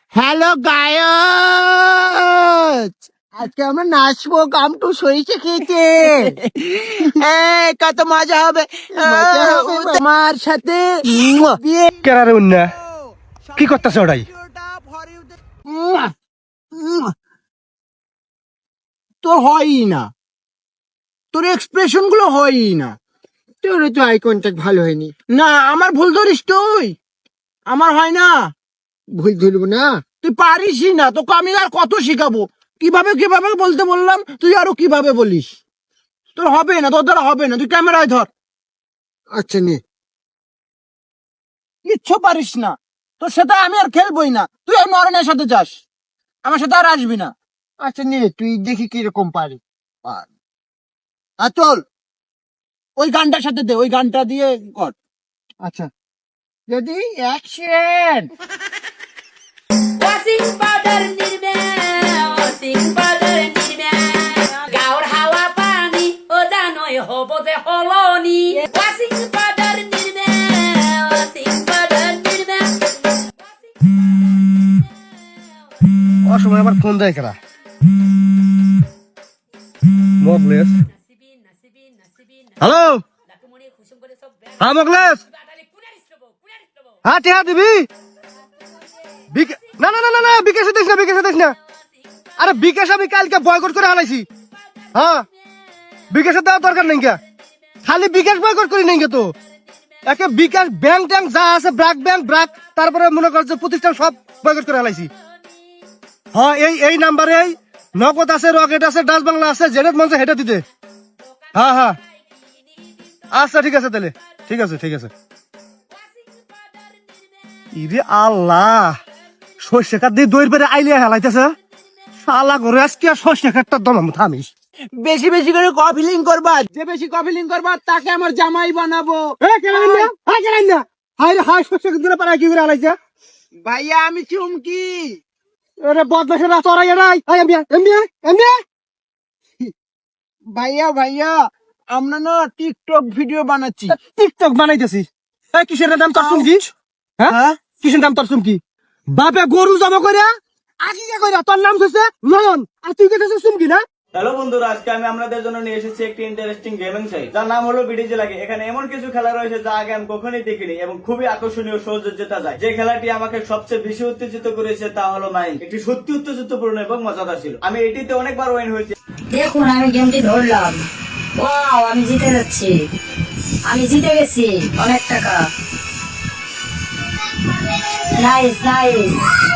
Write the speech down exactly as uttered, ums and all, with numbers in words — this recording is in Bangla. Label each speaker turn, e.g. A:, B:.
A: হ্যালো গায়স, আজকে আমরা নাচবো। গামটু সরিষে খেয়েছে। এই কত মজা হবে, মজা হবে আমার সাথে বিয়ে।
B: কেরারে উন্না কি করতেছে ওটাই?
A: তোর হয়ই না, তোর এক্সপ্রেশন গুলো হয়ই না। তোর তো আই কন্ট্যাক্ট ভালো হয়নি। না, আমার ভুল ধরিস তুই, আমার হয় না। ভুল ধরবো না, তুই পারিসই না। তোকে আমি আর কত শিখাবো, কিভাবে কিভাবে বলতে বললাম, তুই আরো কিভাবে বলিস। তোর হবে না, তোর দ্বারা হবে না। তুই ক্যামেরায় ধর। আচ্ছা নে। কিচ্ছু পারিস না, তোর সাথে আমি আর খেলবই না। তুই আর নরেনের সাথে যাস, আমার সাথে আর আসবি না। আচ্ছা নে, তুই দেখি কিরকম পারি। আর চল, ওই গানটার সাথে দে, ওই গানটা দিয়ে কর। আচ্ছা, যদি action.
C: Washing powder Nirma washing powder Nirma গাওর হাওয়া পানি ও জানোই হব যে হলনি washing powder Nirma washing powder Nirma
B: অসময় আবার ফোন দেয় কেরা? মগলেস, হ্যালো। হ্যাঁ মগলেস, হ্যাঁ টিহা দিবি? বিকে- না না না না না বিকাশে দিস না, বিকাশে দিস না। আরে বিকাশ আমি কালকে বয়কট করে হারাইছি। হ্যাঁ, বিকাশে দেওয়ার দরকার নেই কে, খালি বিকাশ বয়কট করি নেই কে তো। একে বিকাশ ব্যাংক ট্যাঙ্ক যা আছে, ব্রাক ব্যাংক ব্রাক, তারপরে মনে কর যে প্রতিষ্ঠান সব বয়কট করে হারাইছি। হ্যাঁ, এই এই নাম্বারে এই নগদ আছে, রকেট আছে, ডাচ বাংলা আছে, জেনেট মঞ্চে হেঁটে দিতে। হ্যাঁ হ্যাঁ, আচ্ছা ঠিক আছে তাহলে, ঠিক আছে ঠিক আছে। ইরে আল্লাহ, সর্ষে কাঠ দিয়ে দইয়ের পেরে আইলে হেলাইতেছে। শালা করে আজকে আর সর্ষে কাঠটা দমাম থামিস।
A: বেশি বেশি করে কফিলিং করবা, যে বেশি কফিলিং করবা তাকে আমার জামাই বানাবো।
B: হ্যাঁ কেন না, হ্যাঁ কেন না, হাই রে হাই, সর্ষে কাঠ দিয়ে পারা কি করে হালাইছে?
A: ভাইয়া আমি চুমকি।
B: আরে বদমাশের রাস্তা ওরাই এরাই, আই এমবিয়া এমবিয়া এমবিয়া।
A: ভাইয়া ভাইয়া, আমরা না টিকটক ভিডিও বানাচ্ছি।
B: টিকটক বানাইতেছি। এই কিসের নাম তোর চুমকি? হ্যাঁ
A: হ্যাঁ?
B: কিসের নাম তোর চুমকি? বাপে গরু জমা করিয়া আকিকা করিয়া তোর নাম হচ্ছে নয়ন, আর তুই কেটেছিস চুমকি না?
D: হ্যালো বন্ধুরা, আজকে আমি আপনাদের জন্য নিয়ে এসেছি একটি ইন্টারেস্টিং গেমিং সাইট, যার নাম হলো বিডিজি লাগে। এখানে এমন কিছু খেলা রয়েছে যা আগে আমি কখনোই দেখিনি এবং খুবই আকর্ষণীয়, সহজে জেতা যায়। যে খেলাটি আমাকে সবচেয়ে বেশি উত্তেজিত করেছে তা হলো মাইন। এটি সত্যি উত্তেজিতপূর্ণ এবং মজাদার ছিল। আমি এটিতে অনেকবার ওয়েন হয়েছি।
C: দেখুন আমি গেমটি ধরলাম, ওয়াও আমি জিতে যাচ্ছি, আমি জিতে গেছি অনেক টাকা। Nice nice.